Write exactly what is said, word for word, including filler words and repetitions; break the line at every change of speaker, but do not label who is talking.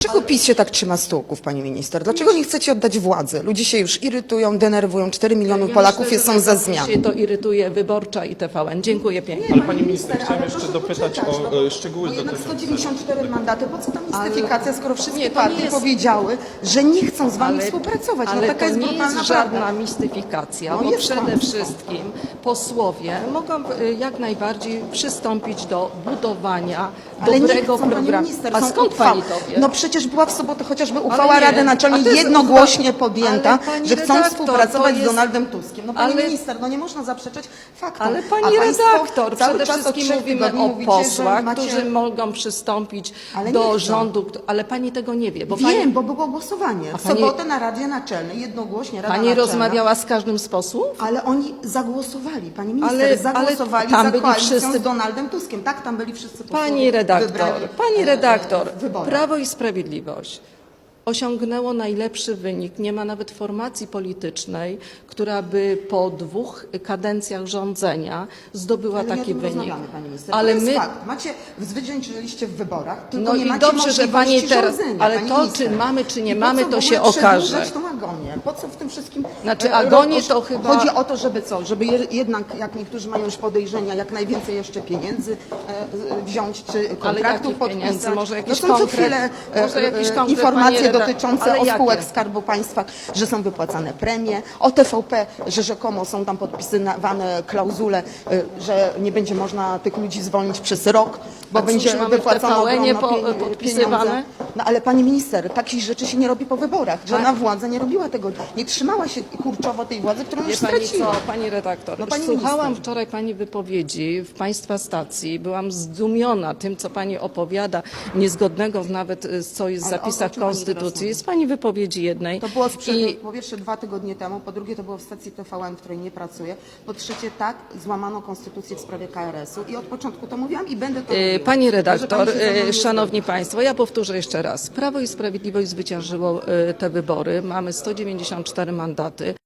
Dlaczego PiS się tak trzyma stołków, pani minister? Dlaczego nie chcecie oddać władzy? Ludzie się już irytują, denerwują, cztery miliony
Ja
Polaków
myślę,
są
że
za zmian.
się to irytuje Wyborcza i T V N. Dziękuję pięknie.
Ale pani minister, chciałem jeszcze dopytać o e, szczegóły
No jednak sto
dotyczące...
dziewięćdziesiąt cztery mandaty, po co ta
Ale-
mistyfikacja, skoro wszystkie
Nie, to nie
partie
jest-
powiedziały, że nie chcą z wami
Ale-
współpracować.
Ale
no taka
to
jest
nie
brutalna
jest żadna
prawda.
mistyfikacja,
No
bo
jest
przede
kłamstwo.
wszystkim posłowie mogą y, jak najbardziej przystąpić do budowania
Ale nie
dobrego
chcą, pani
programu.
minister,
A
są
skąd
uchwały.
pani to wie?
No przecież była w sobotę chociażby uchwała
nie,
Rady
a
Naczelnej
to jest
jednogłośnie
uchwa-
podjęta,
ale pani
że chcą
redaktor,
współpracować
to
z
jest-
Donaldem Tuskiem. No pani
ale-
minister, no nie można zaprzeczać faktom.
Ale
A
pani
państwo
redaktor,
cały
przede
czas od
wszystkim
trzech
mówimy
tygodni
o
mówicie, że
posłach,
macie...
którzy mogą przystąpić
Ale nie
do
chcą.
rządu, kto- ale pani tego nie wie. Bo
Wiem,
pani,
bo było głosowanie.
A
W
pani-
sobotę na Radzie Naczelnej jednogłośnie Rada
pani
Naczelna.
rozmawiała z każdym z posłów?
Ale oni zagłosowali, pani minister,
Ale- ale
zagłosowali
tam
za
byli
koalicją
wszyscy-
z Donaldem Tuskiem. Tak, tam byli wszyscy posłowie
Pani redaktor,
wybrani,
pani
e,
redaktor,
w wyborach.
Prawo i Sprawiedliwość osiągnęło najlepszy wynik. Nie ma nawet formacji politycznej, która by po dwóch kadencjach rządzenia zdobyła
Ale nie o
taki
tym
wynik.
rozmawiamy, pani minister.
Ale
to jest
my,
fakt. Macie, zwyciężyliście w wyborach, tylko
no
nie
i
macie
dobrze, że pani
możliwości
teraz,
rządzenia,
ale
pani
to,
minister.
czy mamy, czy nie
I po
mamy,
co w
to
ogóle
się okaże.
przedłużać tą agonię? Po co w tym wszystkim...
Znaczy,
e,
agonię
roz-
to chyba-
Chodzi o to, żeby co? Żeby je, jednak, jak niektórzy mają już podejrzenia, jak najwięcej jeszcze pieniędzy e, wziąć, czy kontraktów
jakich
podpisać.
pieniędzy? Może jakiś
no są co
konkret?
chwilę e,
Może jakiś
e,
konkret,
informacje
pani reda-
dotyczące
ale
o
jakie?
spółek Skarbu Państwa, że są wypłacane premie, o T V P, że rzekomo są tam podpisywane klauzule, y, że nie będzie można tych ludzi zwolnić przez rok, bo
A cóż,
będzie
mamy w
wypłacone
T V N-ie
ogromne
po-
pie-
podpisywane?
pieniądze. No ale pani minister, takich rzeczy się nie robi po wyborach.
Tak.
Żadna władza nie robiła tego, nie trzymała się kurczowo tej władzy, którą
Wie
już
pani
straciła.
co, pani redaktor,
No, pani
słuchałam
minister.
wczoraj pani wypowiedzi w państwa stacji, byłam zdumiona tym, co pani opowiada, niezgodnego nawet y, z co jest w
Ale o-
zapisach
o czym pani teraz
Konstytucji.
mówi?
Z pani wypowiedzi jednej.
To było sprzed,
I
po pierwsze dwa tygodnie temu, po drugie to było w stacji T V N, w której nie pracuję, po trzecie tak, złamano konstytucję w sprawie K R S u i od początku to mówiłam i będę to
y,
mówiła.
Pani
Może
redaktor,
pani się ze mną nie
y, szanowni
zgodzi.
państwo, ja powtórzę jeszcze raz. Prawo i Sprawiedliwość zwyciężyło y, te wybory. Mamy sto dziewięćdziesiąt cztery mandaty.